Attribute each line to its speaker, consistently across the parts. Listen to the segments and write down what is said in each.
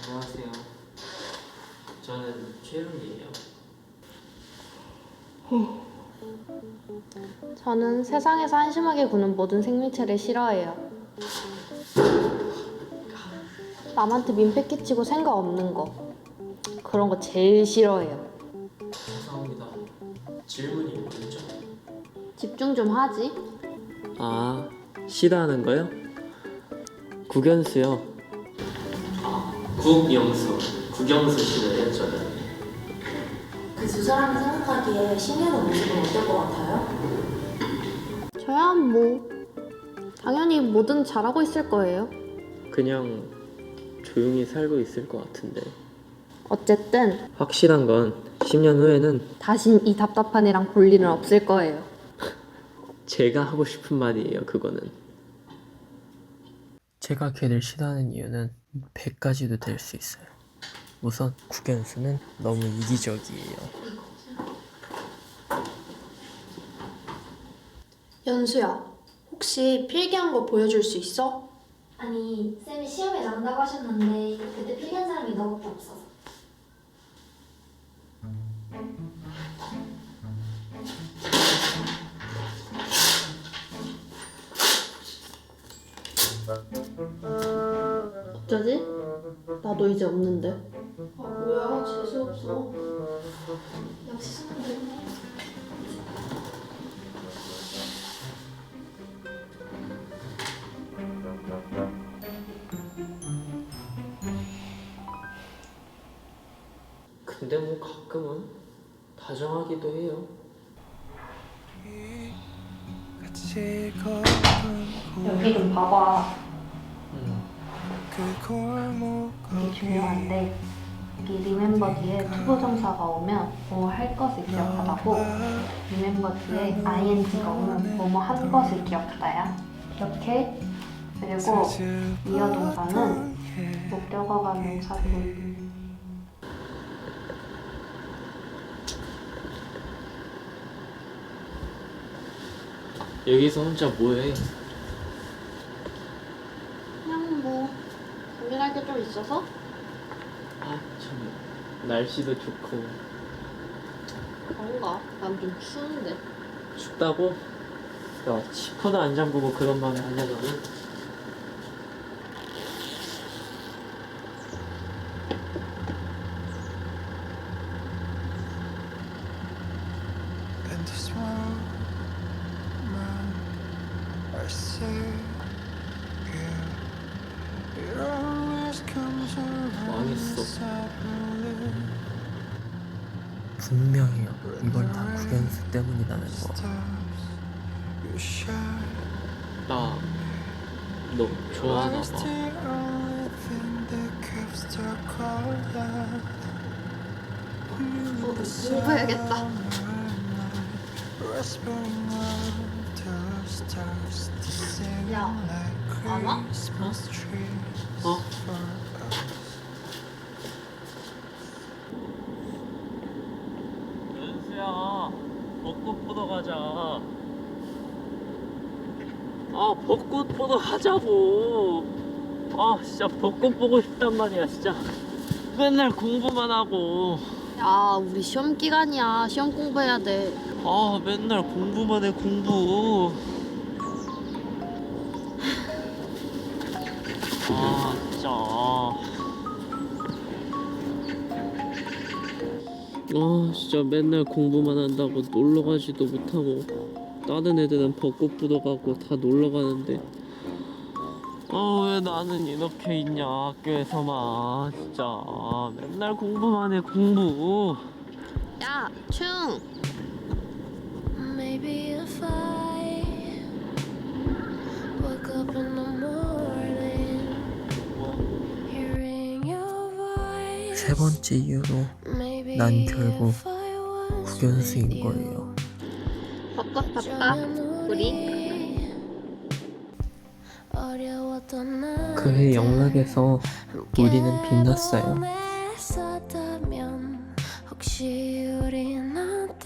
Speaker 1: 안녕하세요. 저는 최윤이에요.
Speaker 2: 저는 세상에서 한심하게 구는 모든 생명체를 싫어해요. 남한테 민폐 끼치고 생각 없는 거. 그런 거 제일 싫어해요.
Speaker 1: 죄송합니다. 질문이 뭐였죠?
Speaker 2: 집중 좀 하지.
Speaker 1: 아, 싫어하는 거요? 국연수요. 국영수. 국영수 싫어요, 저는.
Speaker 3: 그 두 사람이 생각하기에 신유는 모습은 어떨 것 같아요?
Speaker 2: 저야 뭐 당연히 뭐든 잘하고 있을 거예요.
Speaker 1: 그냥 조용히 살고 있을 것 같은데.
Speaker 2: 어쨌든
Speaker 1: 확실한 건 10년 후에는
Speaker 2: 다신 이 답답한 애랑 볼 일은 없을 거예요.
Speaker 1: 제가 하고 싶은 말이에요, 그거는. 제가 걔를 싫어하는 이유는 100가지도 될 수 있어요. 우선 국연수는 너무 이기적이에요.
Speaker 4: 연수야, 혹시 필기한 거 보여줄 수 있어?
Speaker 3: 아니, 쌤이 시험에 나온다고 하셨는데 그때 필기한 사람이 너밖에 없어서.
Speaker 2: 어쩌지? 나도 이제 없는데.
Speaker 4: 아 뭐야, 재수없어.
Speaker 3: 역시 수능이네.
Speaker 1: 근데 뭐 가끔은 다정하기도 해요.
Speaker 2: 여기 좀 봐봐. 이게 중요한데 여기 리멤버 뒤에 투부 정사가 오면 뭐 할 것을 기억하다고, 리멤버 뒤에 ing가 오면 뭐뭐 한 것을 기억하다야. 이렇게. 그리고 이어 동사는 목적어가 명사고.
Speaker 1: 여기서 혼자 뭐해?
Speaker 2: 그냥 뭐 고민할 게 좀 있어서.
Speaker 1: 아, 참 날씨도 좋고.
Speaker 2: 그런가? 난 좀 추운데.
Speaker 1: 춥다고? 야, 지퍼도 안 잠그고 그런 말을 하냐 너는?
Speaker 5: And this moment I say it always comes around
Speaker 1: 망했어.
Speaker 5: suddenly.
Speaker 1: 분명해요. 이건 다 국연수 때문이라는 거.
Speaker 5: You shine.
Speaker 1: 나 너 좋아하나
Speaker 5: It's
Speaker 1: 봐.
Speaker 5: the only thing that keeps the color.
Speaker 2: 공부해야겠다.
Speaker 5: Whispering of the stars to sing
Speaker 2: 야,
Speaker 5: like
Speaker 2: 안 와?
Speaker 5: Christmas trees
Speaker 1: 어?
Speaker 5: for us.
Speaker 1: 연수야, 벚꽃 보러 가자. 아, 벚꽃 보러 가자고. 아, 진짜 벚꽃 보고 싶단 말이야, 진짜. 맨날 공부만 하고.
Speaker 2: 야, 우리 시험 기간이야. 시험 공부해야 돼.
Speaker 1: 아, 맨날 공부만 해, 공부. 아, 진짜. 아, 진짜 맨날 공부만 한다고 놀러 가지도 못하고. 다른 애들은 벚꽃 보러 가고 다 놀러 가는데. 아, 왜 나는 이렇게 있냐, 학교에서만. 진짜. 맨날 공부만 해, 공부.
Speaker 2: 야, 충.
Speaker 3: Maybe if I woke up in the morning, hearing your voice.
Speaker 1: 세 번째 이유로
Speaker 3: Maybe
Speaker 1: 난 결국
Speaker 3: if I was
Speaker 1: 국연수인
Speaker 3: with you.
Speaker 1: 거예요.
Speaker 2: 벚꽃 봤다. 우리.
Speaker 1: 그해 영락에서 우리는 빛났어요.
Speaker 3: 혹시 우린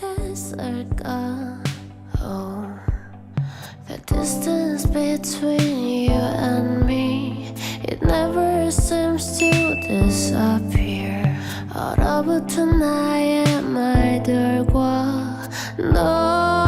Speaker 3: 어땠을까? Oh, the distance between you and me, it
Speaker 6: never seems to disappear. 얼어붙은 나의 말들과 너